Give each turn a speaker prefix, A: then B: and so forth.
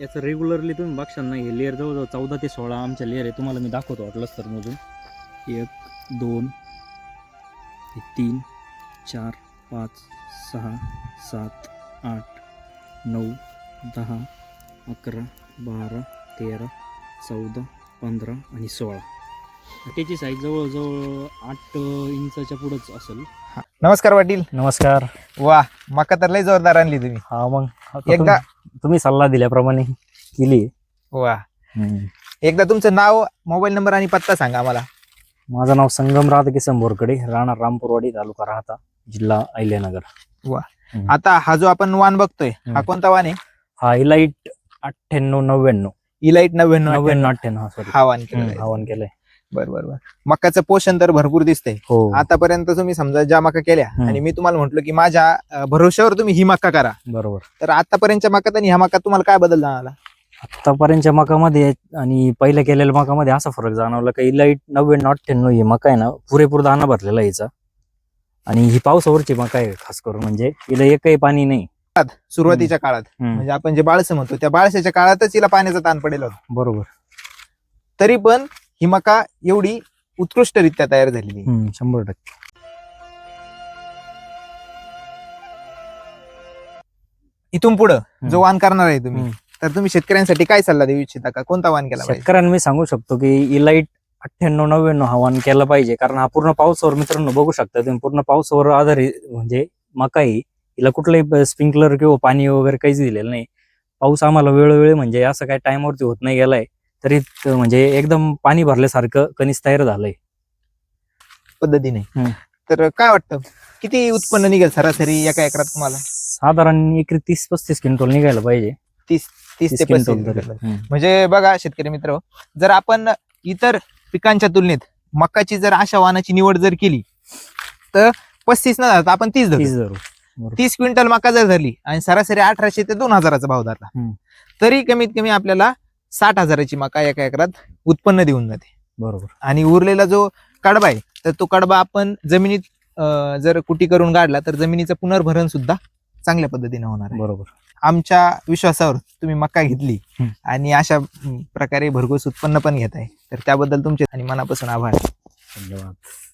A: याचं रेग्युलरली तुम्ही बघशाल ना, हे लेअर जवळजवळ 14 ते 16 आमच्या लेअर आहे. तुम्हाला मी दाखवतो वाटलंच तर मोजून. 1 2 3 4 5 6 7 8 9 10 11 12 13 14 15 आणि 16. त्याची साईज जवळजवळ 8 इंचाच्या पुढंच असेल.
B: नमस्कार पाटील.
A: नमस्कार.
B: वा, मका तर लय जोरदार आणली तुम्ही.
A: हा मग
B: एकदा
A: तुम्ही सल्ला दिल्याप्रमाणे केली.
B: वा, एकदा तुमचं नाव, मोबाईल नंबर आणि पत्ता सांगा आम्हाला.
A: माझं नाव संगम राधाकिसन बोरकडे, राहणार रामपूरवाडी, तालुका राहता, जिल्हा अहिल्यानगर.
B: वा, आता हा जो आपण वाण बघतोय हा कोणता वाण आहे?
A: हा इलाइट 9899.
B: इलाइट 99
A: 98 हा सॉरी
B: हा वाण केलेला आहे.
A: आवाहन केलंय.
B: बरोबर. मकाचं पोषण तर भरपूर दिसतंय.
A: हो
B: आतापर्यंत तुम्ही समजा ज्या मका केल्या आणि मी तुम्हाला म्हंटल की माझ्या भरोश्यावर तुम्ही ही मका करा,
A: बरोबर.
B: तर आतापर्यंतच्या मकात आणि ह्या मकात तुम्हाला काय बदल जाणवला?
A: आतापर्यंतच्या मकामध्ये आणि पहिल्या केलेल्या मकामध्ये असा फरक जाणवला की इलाइट 9998 ही मका आहे ना, पुरेपूर दाना भरलेला आहे हिचा. आणि ही पावसावरची मका आहे खास करून, म्हणजे हिला एकही पाणी नाही.
B: सुरुवातीच्या काळात म्हणजे आपण जे बाळसं म्हणतो त्या बाळशाच्या काळातच हिला पाण्याचा ताण पडेल होता.
A: बरोबर.
B: तरी पण ही मका एवढी उत्कृष्टरित्या तयार झालेली.
A: 100%.
B: इथून पुढे जो वाण करणार आहे तुम्ही, तर तुम्ही शेतकऱ्यांसाठी काय सल्ला देऊ इच्छिता का? कोणता वाण केला पाहिजे?
A: शेतकऱ्यांना मी सांगू शकतो की इलाइट 9899 हा वाण केला पाहिजे, कारण हा पूर्ण पावसावर, मित्रांनो बघू शकता तुम्ही, पूर्ण पावसावर आधारित म्हणजे मका आहे. हिला कुठलंही स्प्रिंकलर किंवा पाणी वगैरे काहीच दिलेलं नाही. पाऊस आम्हाला वेळोवेळी म्हणजे असं काही टाइमवरती होत नाही गेलाय, तरी म्हणजे एकदम पाणी भरल्यासारखं कणीस तयार झालंय
B: पद्धतीने. तर काय वाटतं किती उत्पन्न निघेल सरासरी एका एकरात तुम्हाला?
A: साधारण एकरी 30-35 क्विंटल निघायला पाहिजे.
B: 30 ते 35
A: क्विंटल.
B: म्हणजे बघा शेतकरी मित्र, जर आपण इतर पिकांच्या तुलनेत मकाची जर अशा वाणाची निवड जर केली तर 35 न धरता आपण 30 धरू. 30 क्विंटल मका जर धरली आणि सरासरी 1800 ते 2000 भाव धरला, तरी कमीत कमी आपल्याला 60,000ची मका एका एकरात उत्पन्न देऊन जाते.
A: बरोबर.
B: आणि उरलेला जो कडबा आहे, तर तो कडबा आपण जमिनीत जर कुटी करून काढला तर जमिनीचं पुनर्भरण सुद्धा चांगल्या पद्धतीने होणार आहे.
A: बरोबर.
B: आमच्या विश्वासावर तुम्ही मका घेतली आणि अशा प्रकारे भरघोस उत्पन्न पण घेताय, तर त्याबद्दल तुमचे आणि मनापासून आभार.
A: धन्यवाद.